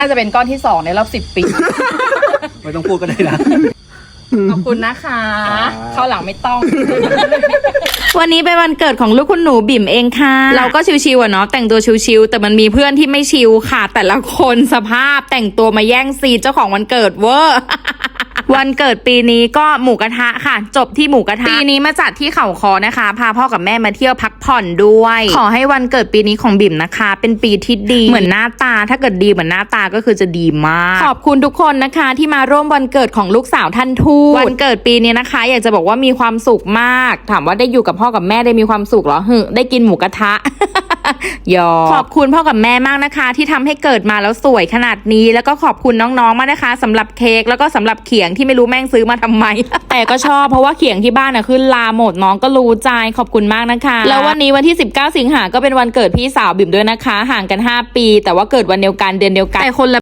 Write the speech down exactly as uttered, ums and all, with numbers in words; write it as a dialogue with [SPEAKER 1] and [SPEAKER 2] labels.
[SPEAKER 1] น่าจะเป็นก้อนที่สองในรอบสิบปี
[SPEAKER 2] ไม่ต้องพูดก็ได้นะ
[SPEAKER 1] ขอบคุณนะคะเข้าหลังไม่ต้อง
[SPEAKER 3] วันนี้เป็นวันเกิดของลูกคุณหนูบิ่มเองค่ะเราก็ชิวๆอ่ะเนาะแต่งตัวชิวๆแต่มันมีเพื่อนที่ไม่ชิวค่ะแต่ละคนสภาพแต่งตัวมาแย่งซีนเจ้าของวันเกิดเวอร์ วันเกิดปีนี้ก็หมูกระทะค่ะจบที่หมูกระทะปีนี้มาจัดที่เขาคอนะคะพาพ่อกับแม่มาเที่ยวพักผ่อนด้วยขอให้วันเกิดปีนี้ของบิ่มนะคะเป็นปีที่ดีเหมือนหน้าตาถ้าเกิดดีเหมือนหน้าตาก็คือจะดีมากขอบคุณทุกคนนะคะที่มาร่วมวันเกิดของลูกสาวท่านทูตวันเกิดปีนี้นะคะ อยากจะบอกว่ามีความสุขมากถามว่าได้อยู่กับพ่อกับแม่ได้มีความสุขเหรอหึได้กินหมูกระทะ ยอขอบคุณพ่อกับแม่มากนะคะที่ทำให้เกิดมาแล้วสวยขนาดนี้แล้วก็ขอบคุณน้องๆมากนะคะสำหรับเค้กแล้วก็สำหรับเขียงที่ไม่รู้แม่งซื้อมาทำไม แต่ก็ชอบเพราะว่าเขียงที่บ้านน่ะขึ้นลาหมดน้องก็รู้ใจขอบคุณมากนะคะแล้ววันนี้วันที่สิบเก้าสิงหาก็เป็นวันเกิดพี่สาวบิ่มด้วยนะคะห่างกันห้าปีแต่ว่าเกิดวันเดียวกันเดือนเดียวกันแต่คนละ